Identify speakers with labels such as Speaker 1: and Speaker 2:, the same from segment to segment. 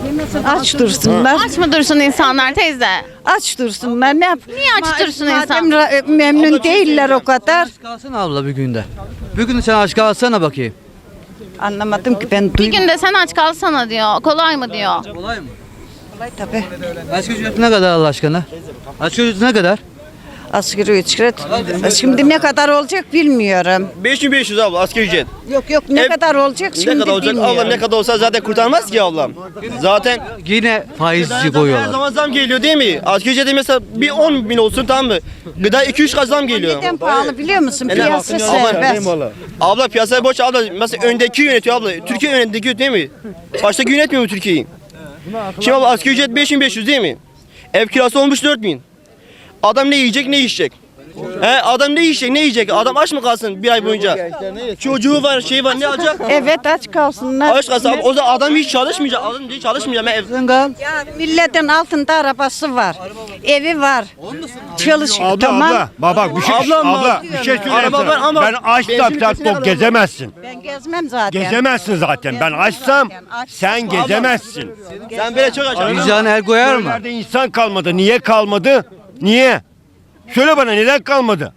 Speaker 1: Aç dursunlar.
Speaker 2: Aç mı dursun insanlar teyze?
Speaker 1: Aç dursunlar. Ne yap?
Speaker 2: Niye aç dursun
Speaker 1: Madem
Speaker 2: insan?
Speaker 1: memnun değiller o kadar.
Speaker 3: Aç kalsana abla bir günde. Bir gün sen aç kalsana bakayım.
Speaker 1: Anlamadım ki ben
Speaker 2: Bir
Speaker 1: duymadım.
Speaker 2: günde sen aç kalsana diyor. Kolay mı diyor.
Speaker 3: Kolay mı?
Speaker 1: Tabii.
Speaker 3: Asgari ücret ne kadar Allah aşkına? Asgari ücret ne kadar?
Speaker 1: Asgari ücret. Şimdi ne kadar olacak bilmiyorum.
Speaker 4: 5500 abla asgari ücret.
Speaker 1: Yok ne
Speaker 4: Ev-
Speaker 1: kadar olacak şimdi
Speaker 4: Ne kadar olacak
Speaker 1: bilmiyorum.
Speaker 4: ablam, ne kadar olsa zaten kurtarmaz ki ablam. Zaten
Speaker 3: Yine faizci
Speaker 4: her
Speaker 3: koyuyorlar.
Speaker 4: zaman zam geliyor değil mi? Asgari ücrete mesela bir 10 bin olsun, tamam mı? Gıda 2-3 kat zam geliyor.
Speaker 1: Neden pahalı biliyor musun?
Speaker 4: Ne
Speaker 1: Piyasa
Speaker 4: hakkın ya?
Speaker 1: serbest.
Speaker 4: Abla piyasayı boş, abla mesela öndeki yönetiyor abla. Türkiye öndeki değil mi? Baştaki yönetmiyor mu Türkiye'yi? Şimdi abla asgari ücret 5500 değil mi? Ev kirası olmuş 4000. Adam ne yiyecek ne içecek? Adam ne yiyecek ne yiyecek? Adam aç mı kalsın bir ay boyunca? Çocuğu var, şey var, ne alacak?
Speaker 1: Evet aç kalsınlar.
Speaker 4: Aç kalsın abi, o zaman adam hiç çalışmayacak. Adam hiç çalışmayacak. Ben ev...
Speaker 1: Ya milletin altında arabası var. Evi var. Çalışıyor.
Speaker 5: Abla
Speaker 1: Tamam.
Speaker 5: abla bak bir şey
Speaker 4: Ablam
Speaker 5: abla
Speaker 4: var.
Speaker 5: bir şey söyleyeyim
Speaker 4: Araba var
Speaker 5: sana.
Speaker 4: ama
Speaker 5: Ben açsam
Speaker 4: benzin
Speaker 5: sen
Speaker 4: ülkesine
Speaker 5: tok
Speaker 4: kadar-
Speaker 5: gezemezsin.
Speaker 1: Ben gezmem zaten.
Speaker 5: Gezemezsin zaten. Ben açsam sen gezemezsin.
Speaker 4: Sen böyle çok aç.
Speaker 3: Vicdanı el koyar mı?
Speaker 5: Nerede insan kalmadı? Niye kalmadı? Niye? Söyle bana neden kalmadı?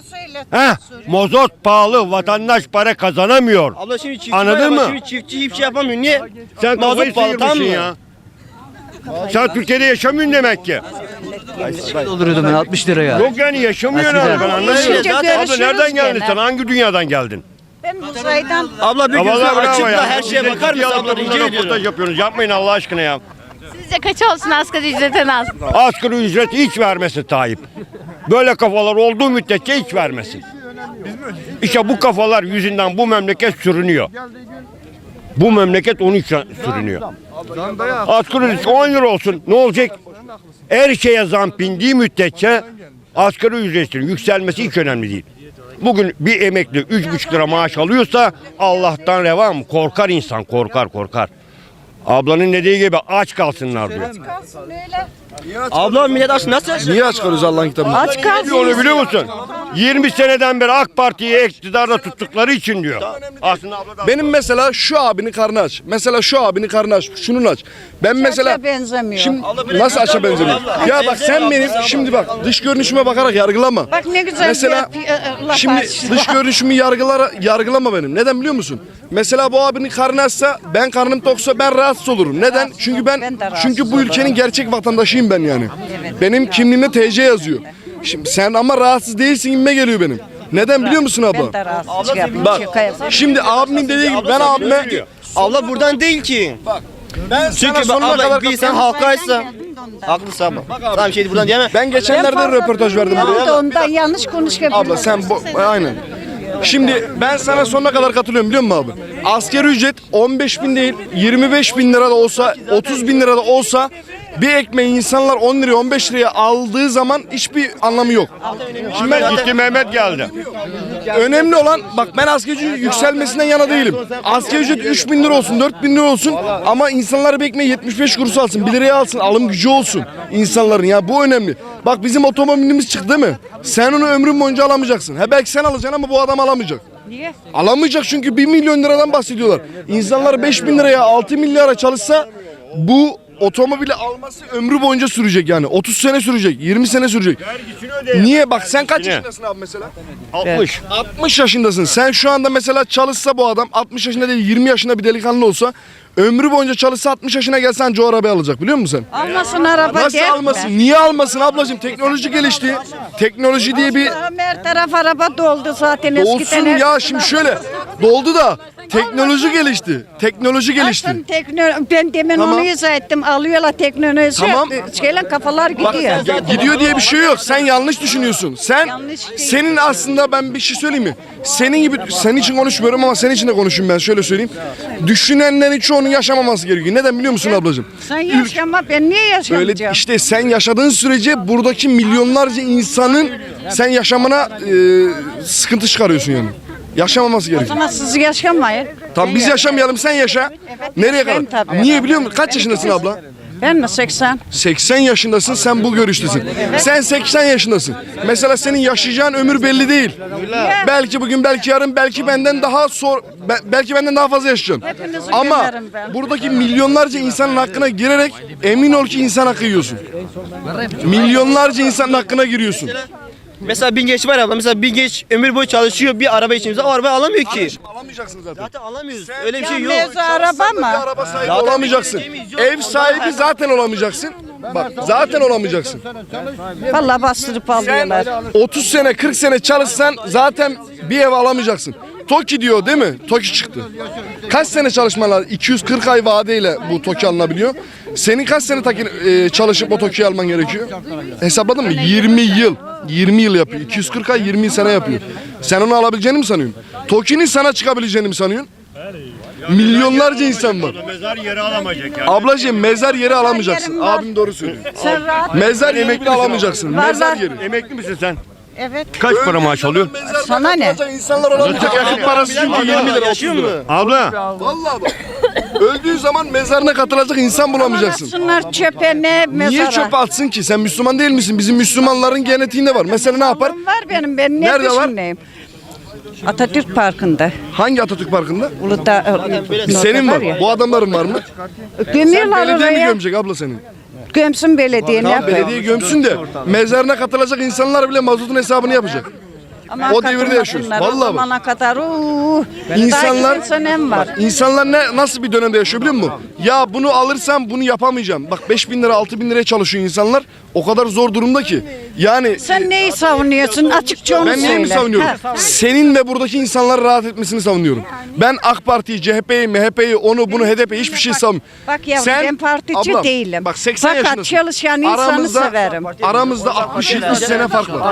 Speaker 5: Mozot pahalı, vatandaş para kazanamıyor.
Speaker 4: Abla şimdi çiftçi
Speaker 5: Anladın
Speaker 4: var ama
Speaker 5: mı?
Speaker 4: Şimdi çiftçi hiçbir şey yapamıyor. Niye?
Speaker 5: Sen kafayı
Speaker 4: Mazot pahalı, tamam
Speaker 5: sıyırmışsın
Speaker 4: mı?
Speaker 5: ya. Sen Türkiye'de yaşamıyorsun demek ki.
Speaker 3: Dolduruyordum ben 60 liraya.
Speaker 5: Yok yani yaşamıyorsun
Speaker 3: Eskiden.
Speaker 5: abi ben anlamıyorum.
Speaker 1: Görüşünce
Speaker 5: Abla
Speaker 1: görüşürüz
Speaker 5: nereden geldin
Speaker 1: gene.
Speaker 5: sen? Hangi dünyadan geldin?
Speaker 1: Ben uzaydan
Speaker 4: Abla bir
Speaker 5: Ya
Speaker 4: gözü
Speaker 5: vallahi bravo
Speaker 4: açıp
Speaker 5: ya.
Speaker 4: da her şeye
Speaker 5: Siz de
Speaker 4: bakar
Speaker 5: ciddi
Speaker 4: mısın
Speaker 5: alıp
Speaker 4: abla,
Speaker 5: da
Speaker 4: rica
Speaker 5: bunlara röportaj
Speaker 4: ediyorum.
Speaker 5: yapıyorsunuz. Yapmayın Allah aşkına ya.
Speaker 2: Sizce kaç olsun asgari ücret en az?
Speaker 5: Asgari ücret hiç vermesin Tayyip. Böyle kafalar olduğu müddetçe hiç vermesin. İşte bu kafalar yüzünden bu memleket sürünüyor. Bu memleket onun için sürünüyor. Asgari ücret 10 lira olsun ne olacak? Her şeye zam bindiği müddetçe asgari ücretin yükselmesi hiç önemli değil. Bugün bir emekli 3,5 lira maaş alıyorsa Allah'tan reva mı? Korkar insan, korkar. Ablanın dediği gibi aç kalsınlar diyor.
Speaker 4: Abla millet aç nasıl aç?
Speaker 6: Niye aç kalıyoruz Allah'ın kitabını?
Speaker 1: aç kalsın.
Speaker 5: Onu biliyor musun? 20 seneden beri AK Parti'yi iktidarda tuttukları için diyor. Aslında abla da-
Speaker 6: Benim mesela şu abinin karnı aç. Mesela şu abinin karnı aç. Şunun aç. Ben mesela
Speaker 1: benzemiyor.
Speaker 6: şimdi nasıl aç'a benzemiyor? Ya bak sen benim şimdi bak dış görünüşüme bakarak yargılama.
Speaker 1: Bak ne güzel
Speaker 6: Mesela
Speaker 1: laf
Speaker 6: şimdi
Speaker 1: açtı.
Speaker 6: dış görünüşümü yargılama benim. Neden biliyor musun? Mesela bu abinin karnı açsa, ben karnım toksa ben rahatsız olurum. Neden? Çünkü
Speaker 1: Ben de rahatsız
Speaker 6: çünkü bu ülkenin gerçek vatandaşıyım ben yani. Benim kimliğimde TC yazıyor. Şimdi sen ama rahatsız değilsin gibime geliyor benim. Neden biliyor musun abla?
Speaker 1: Ben de rahatsız yapayım.
Speaker 6: Bak
Speaker 1: şaka yapayım.
Speaker 6: şimdi abimin dediği gibi ben abime
Speaker 4: Abla buradan değil ki.
Speaker 6: ben
Speaker 4: Çünkü
Speaker 6: sana sonuna
Speaker 4: abla
Speaker 6: kadar
Speaker 4: bir insan halka açsa. Haklısın abla. Tamam şey buradan diyemem.
Speaker 6: ben geçenlerde röportaj verdim buraya.
Speaker 1: Ondan yanlış konuşuyor.
Speaker 6: Abla sen aynen. Şimdi ben sana sonuna kadar katılıyorum biliyor musun abi? Asgari ücret 15 bin değil 25 bin lira da olsa 30 bin lira da olsa bir ekmeği insanlar 10 liraya 15 liraya aldığı zaman hiçbir anlamı yok.
Speaker 5: Şimdi ben gitti Mehmet geldi.
Speaker 6: Önemli olan bak ben asgari ücret yükselmesinden yana değilim. Asgari ücret 3 bin lira olsun 4 bin lira olsun ama insanlar bir ekmeği 75 kuruş alsın 1 liraya alsın alım gücü olsun insanların ya bu önemli. Bak bizim otomobilimiz çıktı değil mi? Sen onu ömrün boyunca alamayacaksın. Belki sen alacaksın ama bu adam alamayacak.
Speaker 1: Niye?
Speaker 6: Alamayacak çünkü 1 milyon liradan bahsediyorlar. İnsanlar 5 bin liraya 6 milyara çalışsa bu otomobili alması ömrü boyunca sürecek yani. 30 sene sürecek, 20 sene sürecek. Niye? Bak sen kaç
Speaker 5: Niye?
Speaker 6: yaşındasın abi mesela?
Speaker 5: 60.
Speaker 6: 60 yaşındasın. Sen şu anda mesela çalışsa bu adam 60 yaşında değil 20 yaşında bir delikanlı olsa ömrü boyunca çalışsa 60 yaşına gelse anca o arabayı alacak biliyor musun sen?
Speaker 1: Almasın araba
Speaker 6: Nasıl
Speaker 1: der
Speaker 6: almasın?
Speaker 1: mi?
Speaker 6: Niye almasın ablacığım? Teknoloji gelişti. Teknoloji diye bir
Speaker 1: Her taraf araba doldu zaten
Speaker 6: olsun
Speaker 1: eskiden.
Speaker 6: ya şimdi şöyle doldu da teknoloji gelişti. Teknoloji gelişti.
Speaker 1: Ben demin
Speaker 6: Tamam.
Speaker 1: onu izah ettim. Alıyorlar teknoloji.
Speaker 6: Tamam.
Speaker 1: Şeyle kafalar
Speaker 6: Bak,
Speaker 1: gidiyor.
Speaker 6: gidiyor diye bir şey yok. Sen yanlış düşünüyorsun. Sen
Speaker 1: Yanlış değil.
Speaker 6: senin aslında ben bir şey söyleyeyim mi? Senin gibi senin için konuşmuyorum ama senin için de konuşayım ben şöyle söyleyeyim. Düşünenlerin çoğunun yaşamaması gerekiyor. Neden biliyor musun ablacığım?
Speaker 1: Sen yaşama ben niye
Speaker 6: Öyle
Speaker 1: yaşamayacağım?
Speaker 6: işte sen yaşadığın sürece buradaki milyonlarca insanın sen yaşamına sıkıntı çıkarıyorsun yani. Yaşamaması gerekiyor.
Speaker 1: Ama siz yaşamayın.
Speaker 6: Tamam biz yaşamayalım sen yaşa. Nereye kadar?
Speaker 1: yaşayayım tabii.
Speaker 6: Niye biliyor musun? Kaç yaşındasın abla?
Speaker 1: Ben mi 80?
Speaker 6: 80 yaşındasın, sen bu görüştesin. Sen 80 yaşındasın. Mesela senin yaşayacağın ömür belli değil. Belki bugün, belki yarın, belki benden belki benden daha fazla yaşayacaksın.
Speaker 1: Hepinizi
Speaker 6: Ama
Speaker 1: gömerim ben.
Speaker 6: buradaki milyonlarca insanın hakkına girerek emin ol ki insan hakkı yiyorsun. Milyonlarca insanın hakkına giriyorsun.
Speaker 4: Mesela bin genç var ya, mesela bin genç ömür boyu çalışıyor bir araba için. O arabayı alamıyor ki.
Speaker 6: Alamayacaksın zaten.
Speaker 4: Zaten alamıyoruz. Öyle bir şey yok.
Speaker 1: Mevzu araba
Speaker 6: Bir
Speaker 1: mı?
Speaker 6: araba sahibi olamayacaksın. Ev sahibi zaten olamayacaksın. Bak zaten olamayacaksın.
Speaker 1: Vallahi bastırıp alıyorlar.
Speaker 6: 30 sene 40 sene çalışsan zaten bir ev alamayacaksın. TOKİ diyor değil mi? TOKİ çıktı. Kaç sene çalışman lazım? 240 ay vadeyle bu TOKİ alınabiliyor. Senin kaç sene çalışıp o TOKİ'yi alman gerekiyor? Hesapladın mı? 20 yıl. 20 yıl yapıyor. 240 ay 20 sene yapıyor. Sen onu alabileceğini mi sanıyorsun? TOKİ'nin sana çıkabileceğini mi sanıyorsun? Milyonlarca insan var.
Speaker 5: Mezar yeri alamayacak yani.
Speaker 6: Ablacığım mezar yeri alamayacaksın. Abim doğru söylüyor.
Speaker 1: Sen rahat.
Speaker 6: Mezar yeri bile alamayacaksın.
Speaker 1: Var,
Speaker 6: Mezar
Speaker 1: var.
Speaker 6: yeri.
Speaker 5: Emekli misin sen?
Speaker 1: Evet.
Speaker 5: Kaç para maaş alıyorsun?
Speaker 1: Sana ne?
Speaker 6: İnsanlar olamayacak. Yakıt parası çünkü 20 lira 30
Speaker 4: Yaşıyor mu?
Speaker 6: lira.
Speaker 5: Abla.
Speaker 6: Vallahi bak. Öldüğü zaman mezarına katılacak insan bulamayacaksın.
Speaker 1: Atsınlar çöpe ne mezara.
Speaker 6: Niye çöpe atsın ki? Sen Müslüman değil misin? Bizim Müslümanların genetiğinde var. Mesela ne yapar?
Speaker 1: Var benim. Ben ne
Speaker 6: Nerede var?
Speaker 1: düşüneyim? Atatürk Parkı'nda.
Speaker 6: Hangi Atatürk Parkı'nda?
Speaker 1: Uludağ.
Speaker 6: Senin var.
Speaker 1: ya.
Speaker 6: Bu adamların var mı?
Speaker 1: Gömüyorlar
Speaker 6: Belediye mi
Speaker 1: oraya.
Speaker 6: gömecek abla senin?
Speaker 1: Gömsün belediye ne
Speaker 6: Tamam
Speaker 1: yapayım?
Speaker 6: belediye gömsün de mezarına katılacak insanlar bile mazotun hesabını yapacak.
Speaker 1: Aman
Speaker 6: O devirde yaşıyoruz.
Speaker 1: katılmasınlar.
Speaker 6: Vallahi
Speaker 1: O
Speaker 6: bak.
Speaker 1: zamana kadar
Speaker 6: İnsanlar,
Speaker 1: daha senem var.
Speaker 6: insanlar nasıl bir dönemde yaşıyor biliyor musun? Ya bunu alırsam bunu yapamayacağım. Bak 5.000 lira 6.000 liraya çalışıyor insanlar. O kadar zor durumda ki. Yani
Speaker 1: Sen neyi savunuyorsun? Açıkça onu
Speaker 6: ben
Speaker 1: söyle.
Speaker 6: neyi mi savunuyorum?
Speaker 1: Ha.
Speaker 6: Senin ve buradaki insanların rahat etmesini savunuyorum. Ben AK Parti'yi, CHP'yi, MHP'yi, onu bunu HDP'yi hiçbir şey savunmuyorum.
Speaker 1: Bak yavrum ben partici
Speaker 6: ablam,
Speaker 1: değilim.
Speaker 6: Bak 80
Speaker 1: Fakat
Speaker 6: yaşındasın.
Speaker 1: çalışan insanı severim.
Speaker 6: Aramızda 60-70 sene fark var.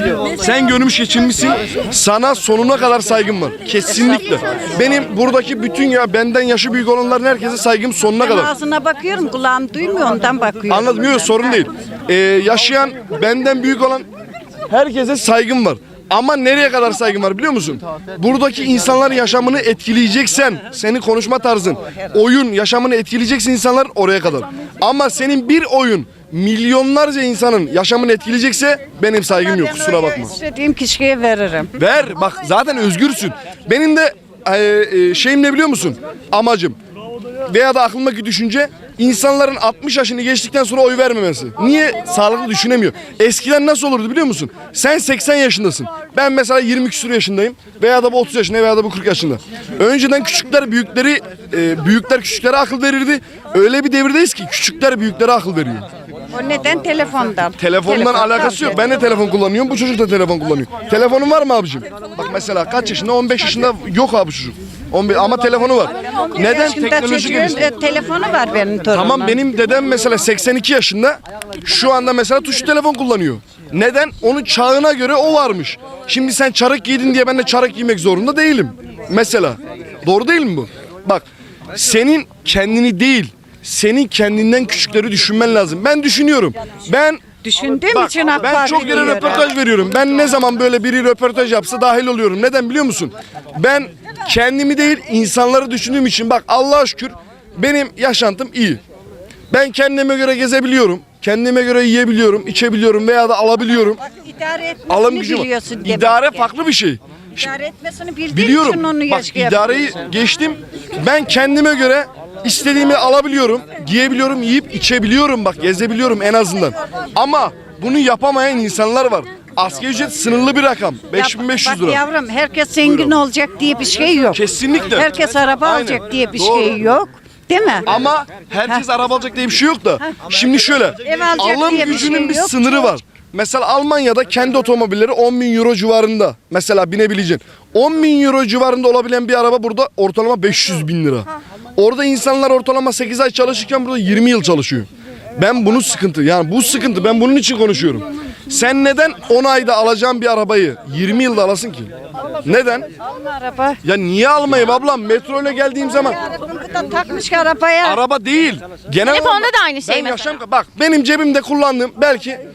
Speaker 6: Sen görmüş geçirmişsin. Sana sonuna kadar saygım var. Kesinlikle. Benim buradaki bütün benden yaşı büyük olanların herkese saygım sonuna kadar.
Speaker 1: Ağzına bakıyorum kulağım duymuyor ondan bakıyorum.
Speaker 6: Anladım, yok sorun değil. Yaşayan benden büyük olan herkese saygım var. Ama nereye kadar saygım var biliyor musun? Buradaki insanların yaşamını etkileyeceksen, senin konuşma tarzın, oyun yaşamını etkileyeceksin insanlar oraya kadar. Ama senin bir oyun milyonlarca insanın yaşamını etkileyecekse benim saygım yok, kusura bakma.
Speaker 1: İstediğim kişiye veririm.
Speaker 6: Ver bak zaten özgürsün. Benim de şeyim ne biliyor musun? Amacım veya da aklımdaki düşünce insanların 60 yaşını geçtikten sonra oy vermemesi. Niye? Sağlıklı düşünemiyor. Eskiden nasıl olurdu biliyor musun? Sen 80 yaşındasın. Ben mesela 20 küsur yaşındayım. Veya da bu 30 yaşında veya da bu 40 yaşında. Önceden küçükler büyükleri, büyükler küçüklere akıl verirdi. Öyle bir devirdeyiz ki küçükler büyüklere akıl veriyor.
Speaker 1: O neden telefondan?
Speaker 6: Telefondan alakası yok. Ben de telefon kullanıyorum. Bu çocuk da telefon kullanıyor. Telefonun var mı abicim? Bak mesela kaç yaşında? 15 yaşında yok abi çocuk. 15 ama telefonu var. Neden? Teknoloji gelişti.
Speaker 1: Telefonu var benim torunum.
Speaker 6: Tamam benim dedem mesela 82 yaşında. Şu anda mesela tuşlu telefon kullanıyor. Neden? Onun çağına göre o varmış. Şimdi sen çarık giydin diye ben de çarık giymek zorunda değilim. Mesela. Doğru değil mi bu? Bak senin kendini değil, senin kendinden küçükleri düşünmen lazım. Ben düşünüyorum.
Speaker 1: Düşündüğüm için AK
Speaker 6: Ben
Speaker 1: Parti
Speaker 6: çok yere
Speaker 1: diyorum.
Speaker 6: röportaj veriyorum. Ben ne zaman böyle biri röportaj yapsa dahil oluyorum. Neden biliyor musun? Ben kendimi değil insanları düşündüğüm için bak Allah'a şükür benim yaşantım iyi. Ben kendime göre gezebiliyorum. Kendime göre yiyebiliyorum, içebiliyorum veya da alabiliyorum.
Speaker 1: İdare
Speaker 6: Alım
Speaker 1: etmesini
Speaker 6: gücüm var.
Speaker 1: biliyorsun demek
Speaker 6: İdare
Speaker 1: ki.
Speaker 6: farklı bir şey.
Speaker 1: İdare etmesini bildiğin
Speaker 6: Biliyorum.
Speaker 1: için onu
Speaker 6: Bak idareyi geçtim. Ben kendime göre istediğimi alabiliyorum, giyebiliyorum, yiyip içebiliyorum bak gezebiliyorum en azından. Ama bunu yapamayan insanlar var. Asgari ücret sınırlı bir rakam. 5500 lira.
Speaker 1: Bak yavrum herkes zengin olacak diye bir şey yok.
Speaker 6: Kesinlikle.
Speaker 1: Herkes araba
Speaker 6: Aynen.
Speaker 1: alacak diye bir
Speaker 6: Doğru.
Speaker 1: şey yok. Değil mi?
Speaker 6: Ama herkes araba alacak diye bir şey yok da. Şimdi şöyle.
Speaker 1: Ev alacak
Speaker 6: Alım
Speaker 1: diye bir
Speaker 6: gücünün
Speaker 1: şey
Speaker 6: bir
Speaker 1: yok.
Speaker 6: sınırı var. Mesela Almanya'da kendi otomobilleri 10.000 euro civarında. Mesela binebileceksin. 10.000 euro civarında olabilen bir araba burada ortalama 500.000 lira. Orada insanlar ortalama 8 ay çalışırken burada 20 yıl çalışıyor. Ben bunu sıkıntı yani bu sıkıntı ben bunun için konuşuyorum. Sen neden 10 ayda alacağın bir arabayı 20 yılda alasın ki? Neden?
Speaker 1: Alma araba.
Speaker 6: Ya niye almayayım ablam? Metro ile geldiğim zaman
Speaker 1: Bu da takmış arabaya.
Speaker 6: araba değil. Genel
Speaker 2: Telefonda
Speaker 6: olarak
Speaker 2: da aynı şey
Speaker 6: ben
Speaker 2: mesela.
Speaker 6: bak benim cebimde kullandığım belki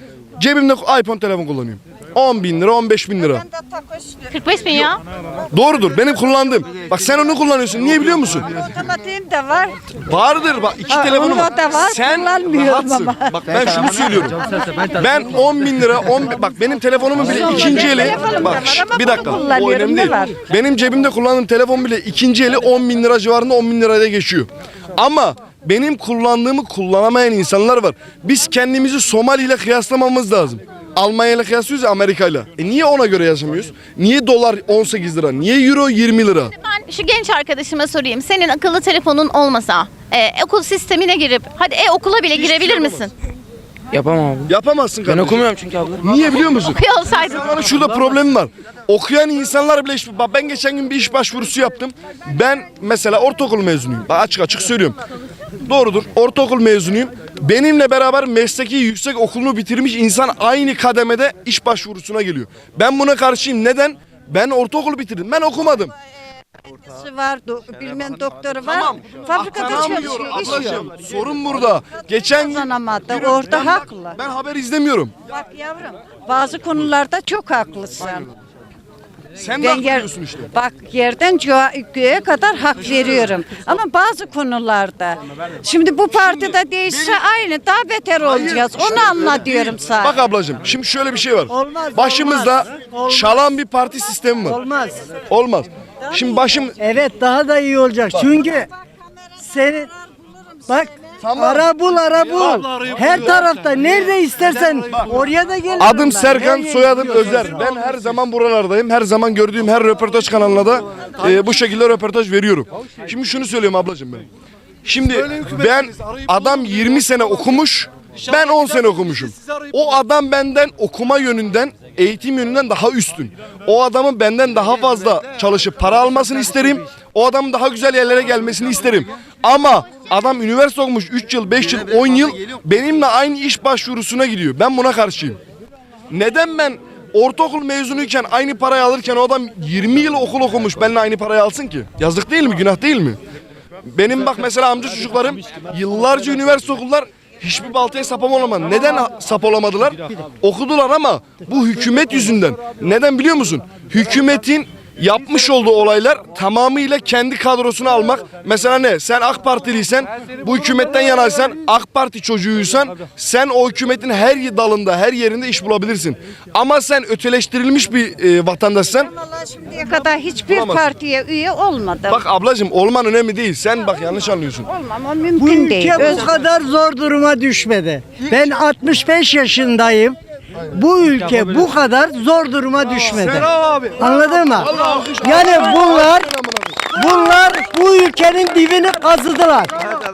Speaker 6: Cebimde iPhone telefon kullanıyorum. 10 bin lira, 15 bin lira.
Speaker 2: 45 bin ya.
Speaker 6: Doğrudur, benim kullandığım. Bak sen onu kullanıyorsun. Niye biliyor musun?
Speaker 1: Otomatiğim de var.
Speaker 6: Vardır bak, iki
Speaker 1: Ha,
Speaker 6: telefonum
Speaker 1: onda da var,
Speaker 6: Sen
Speaker 1: kullanmıyorum
Speaker 6: rahatsın.
Speaker 1: ama.
Speaker 6: Bak ben şunu söylüyorum. Ben 10 bin lira, bak benim telefonumun bile ikinci eli.
Speaker 1: telefonum
Speaker 6: Bak
Speaker 1: da var ama
Speaker 6: bir
Speaker 1: bunu
Speaker 6: dakika, o
Speaker 1: kullanıyorum,
Speaker 6: önemli
Speaker 1: ne
Speaker 6: değil.
Speaker 1: var?
Speaker 6: Benim cebimde kullandığım telefon bile ikinci eli 10 bin lira civarında, 10 bin liraya geçiyor. Ama benim kullandığımı kullanamayan insanlar var. Biz kendimizi Somali ile kıyaslamamız lazım. Almanya ile kıyaslıyoruz ya, Amerika ile. Niye ona göre yaşamıyoruz? Niye dolar 18 lira? Niye euro 20 lira?
Speaker 2: Ben şu genç arkadaşıma sorayım. Senin akıllı telefonun olmasa okul sistemine girip hadi okula bile girebilir misin?
Speaker 7: Yapamam abi.
Speaker 6: Yapamazsın
Speaker 7: Ben
Speaker 6: kardeşim.
Speaker 7: okumuyorum çünkü abla.
Speaker 6: Niye biliyor musun?
Speaker 2: Okuyor olsaydın.
Speaker 6: İnsanların şurada problemi var. Okuyan insanlar bile bak ben geçen gün bir iş başvurusu yaptım. Ben mesela ortaokul mezunuyum. Bak açık açık söylüyorum. Doğrudur. Ortaokul mezunuyum. Benimle beraber mesleki yüksek okulunu bitirmiş insan aynı kademede iş başvurusuna geliyor. Ben buna karşıyım. Neden? Ben ortaokulu bitirdim. Ben okumadım.
Speaker 1: Var, bilmem doktoru var.
Speaker 6: Tamam.
Speaker 1: Fabrikada
Speaker 6: Aktaramıyor
Speaker 1: çalışıyor, iş
Speaker 6: ablacığım.
Speaker 1: yok.
Speaker 6: Sorun burada. Geçen gün
Speaker 1: Kazanamadı, orada haklı.
Speaker 6: Ben haber izlemiyorum.
Speaker 1: Bak yavrum, bazı konularda çok haklısın.
Speaker 6: Sen de
Speaker 1: Ben
Speaker 6: hak veriyorsun işte.
Speaker 1: bak yerden göğe kadar hak veriyorum. Ama bazı konularda, şimdi bu partide değişse aynı, daha beter olacağız. Onu anla diyorum sana.
Speaker 6: Bak ablacığım şimdi şöyle bir şey var.
Speaker 8: Olmaz,
Speaker 6: Başımızda
Speaker 8: olmaz.
Speaker 6: çalan bir parti sistemi var.
Speaker 8: Olmaz.
Speaker 6: Olmaz. Şimdi
Speaker 8: Evet daha da iyi olacak. Çünkü senin bak ara bul. Her tarafta nerede istersen oraya da gelirim.
Speaker 6: adım
Speaker 8: ben.
Speaker 6: Serkan,
Speaker 8: Nereye
Speaker 6: soyadım
Speaker 8: gidiyorsan.
Speaker 6: Özer. Ben her zaman buralardayım. Her zaman gördüğüm her röportaj kanalına da bu şekilde röportaj veriyorum. Şimdi şunu söylüyorum ablacığım ben. Şimdi ben adam 20 sene okumuş. Ben 10 sene okumuşum. O adam benden okuma yönünden, eğitim yönünden daha üstün. O adamın benden daha fazla çalışıp para almasını isterim. O adamın daha güzel yerlere gelmesini isterim. Ama adam üniversite okumuş 3 yıl, 5 yıl, 10 yıl benimle aynı iş başvurusuna gidiyor. Ben buna karşıyım. Neden ben ortaokul mezunuyken aynı parayı alırken o adam 20 yıl okul okumuş benimle aynı parayı alsın ki? Yazık değil mi? Günah değil mi? Benim bak mesela amca çocuklarım yıllarca üniversite okullar hiçbir baltaya sap olamadı. Neden sap olamadılar? Okudular ama bu hükümet yüzünden. Neden biliyor musun? Hükümetin yapmış olduğu olaylar tamamıyla kendi kadrosunu almak. Mesela ne? Sen AK Partiliysen, bu hükümetten yanaysan, AK Parti çocuğuysan sen o hükümetin her dalında, her yerinde iş bulabilirsin. Ama sen öteleştirilmiş bir vatandaşsan,
Speaker 1: Vallahi şimdiye kadar hiçbir
Speaker 6: Olamaz.
Speaker 1: partiye üye olmadım.
Speaker 6: bak ablacığım olman önemli değil. Sen bak yanlış anlıyorsun.
Speaker 1: Olmam, o
Speaker 8: Bu
Speaker 1: mümkün değil.
Speaker 8: ülke bu kadar zor duruma düşmedi. Ben 65 yaşındayım. Bu ülke bu kadar zor duruma düşmedi. Anladın mı? Yani bunlar bu ülkenin dibini kazıdılar.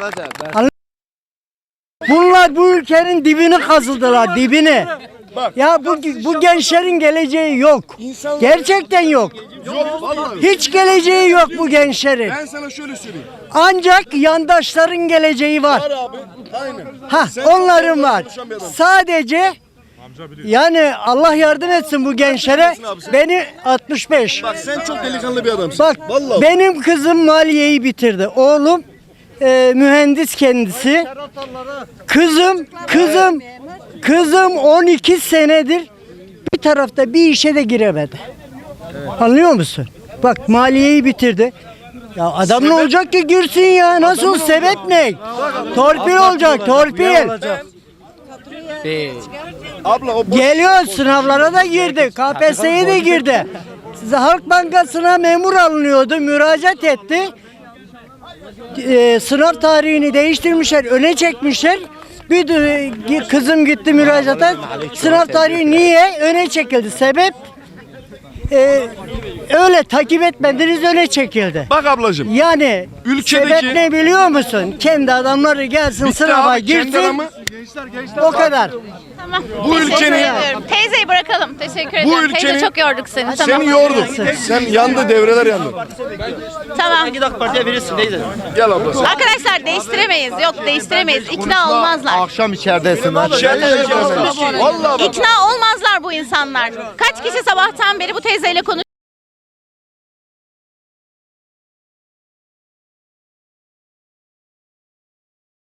Speaker 8: Bunlar bu ülkenin dibini kazıdılar, dibini. Ya bu gençlerin geleceği yok. Gerçekten yok. Hiç geleceği yok bu gençlerin.
Speaker 6: Ben sana şöyle söyleyeyim.
Speaker 8: Ancak yandaşların geleceği var.
Speaker 6: Abi, aynen.
Speaker 8: Ha, onların var. Sadece yani Allah yardım etsin bu gençlere. Beni 65.
Speaker 6: Bak sen çok delikanlı bir adamsın.
Speaker 8: Bak
Speaker 6: Vallahi.
Speaker 8: benim kızım maliyeyi bitirdi. Oğlum mühendis kendisi. Kızım 12 senedir bir tarafta bir işe de giremedi. Anlıyor musun? Bak maliyeyi bitirdi. Ya adam ne olacak ki girsin ya? Nasıl sebep ne? Torpil olacak, torpil.
Speaker 6: Abla o
Speaker 8: Geliyor sınavlara da girdi. KPSS'ye de girdi. Size Halk Bankası'na memur alınıyordu. Müracaat etti. Sınav tarihini değiştirmişler. Öne çekmişler. Kızım gitti müracaata. Sınav tarihi niye? Öne çekildi. Sebep? Öyle takip etmediniz, öne çekildi.
Speaker 6: bak ablacığım.
Speaker 8: Yani
Speaker 6: Ülkedeki-
Speaker 8: sebep ne biliyor musun? Kendi adamları gelsin
Speaker 6: Bitti
Speaker 8: sınava
Speaker 6: abi, kendi
Speaker 8: girsin.
Speaker 6: adamı-
Speaker 8: O kadar.
Speaker 2: Tamam.
Speaker 6: Bu
Speaker 2: Teşekkür
Speaker 6: ülkenin-
Speaker 2: ediyorum. Teyzeyi bırakalım. Teşekkür
Speaker 6: Bu
Speaker 2: ederim. Teyze
Speaker 6: ülkenin-
Speaker 2: çok yorduk seni. Tamam.
Speaker 6: Seni yorduk. Sen yandı, devreler yandı.
Speaker 2: Tamam.
Speaker 4: AK Parti'ye verirsin teyze.
Speaker 6: Gel abla.
Speaker 2: Arkadaşlar değiştiremeyiz. Yok değiştiremeyiz. İkna olmazlar.
Speaker 3: Akşam içeridesin.
Speaker 6: Vallahi bak.
Speaker 2: İkna olmazlar bu insanlar. Kaç kişi sabahtan beri bu teyzeyle konuşuyor?